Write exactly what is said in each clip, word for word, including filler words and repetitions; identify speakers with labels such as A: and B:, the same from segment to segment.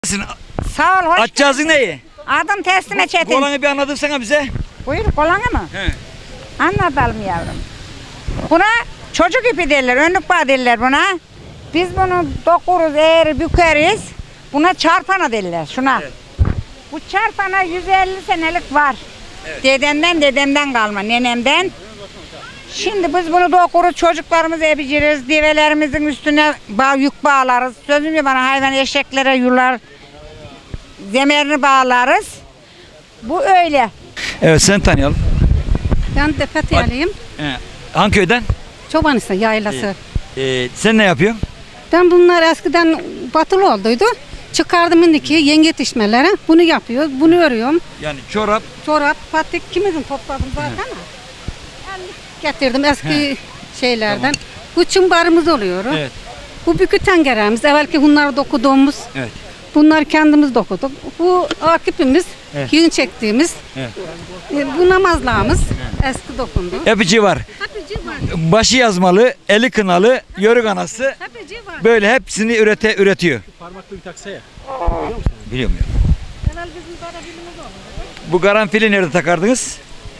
A: Sağ ol, hoş
B: Açacağızın neyi?
A: Adım Teslime Çetin.
B: Kolanı bir anlatırsana bize.
A: Buyur, kolanı mı?
B: He.
A: Anlatalım yavrum. Buna çocuk ipi derler, önlük bağı derler buna. Biz bunu dokuruz, eğer bükeriz. Buna çarpana derler, şuna.
B: Evet.
A: Bu çarpana yüz elli senelik var.
B: Evet.
A: Dedemden, dedemden kalma, nenemden. Şimdi biz bunu dokuruz, çocuklarımızı ebiciriz, develerimizin üstüne bağ, yük bağlarız. Sözüm ya bana, hayvan eşeklere yular, zemerini bağlarız. Bu öyle.
B: Evet, sen tanıyalım.
C: Ben de Fethiye'liyim.
B: He. Hangi köyden?
C: Çobanisa yaylası.
B: Ee, sen ne yapıyorsun?
C: Ben bunlar eskiden batılı olduydu. Çıkardım indiki yenge yetişmelere. Bunu yapıyoruz. Bunu örüyorum.
B: Yani çorap.
C: Çorap, patik kimizin topladım zaten. Ellik getirdim eski
B: He.
C: şeylerden. Bu çımbarımız oluyor.
B: Evet.
C: Bu bükü tengeremiz. Evvelki bunları dokuduğumuz.
B: Evet.
C: Bunları kendimiz dokuduk. Bu akipimiz.
B: Evet.
C: Yün çektiğimiz.
B: Evet.
C: E, Bu namazlığımız. Eski dokundu.
B: Epici var.
C: Hapici var.
B: Başı yazmalı, eli kınalı, yörük anası.
C: Hapici var.
B: Böyle hepsini ürete üretiyor.
D: Parmaklı bir taksaya.
B: Biliyor muyum?
C: Helal bizim karabilimiz olur.
B: Bu karanfili nerede takardınız?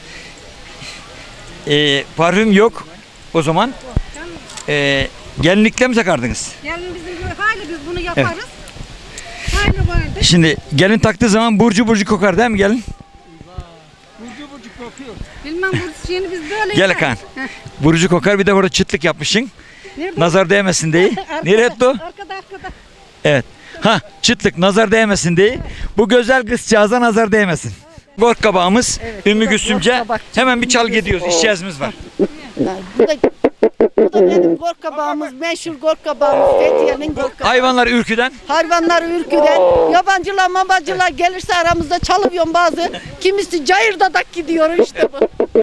B: Ee, parfüm yok o zaman. Ee, gelinlikle mi takardınız?
C: Gelin bizim gibi hali biz bunu yaparız. Hali vardı.
B: Şimdi gelin taktığı zaman burcu burcu kokar değil mi gelin?
C: Bilmem bu şeyini biz böyle
B: Gel
C: yaparız.
B: Hakan.
C: Heh.
B: Burcu kokar, bir de orada çıtlık yapmışsın.
C: Nerede?
B: Nazar değmesin diye.
C: Arkada,
B: Nereye etti o?
C: Arkada arkada.
B: Evet. Ha, çıtlık nazar değmesin diye. Bu güzel kızcağıza nazar değmesin. Gort kabağımız Ümmü Gülsümce. Hemen bir çal gidiyoruz. İşçiyazımız var.
E: Bu da, bu da benim gorkabağımız, meşhur gorkabağımız, Fethiye'nin gorkabağı.
B: Hayvanlar ürküden.
E: Hayvanlar ürküden, yabancılar mabacılar gelirse aramızda çalıyorum bazı. Kimisi cayırdadak gidiyor işte bu.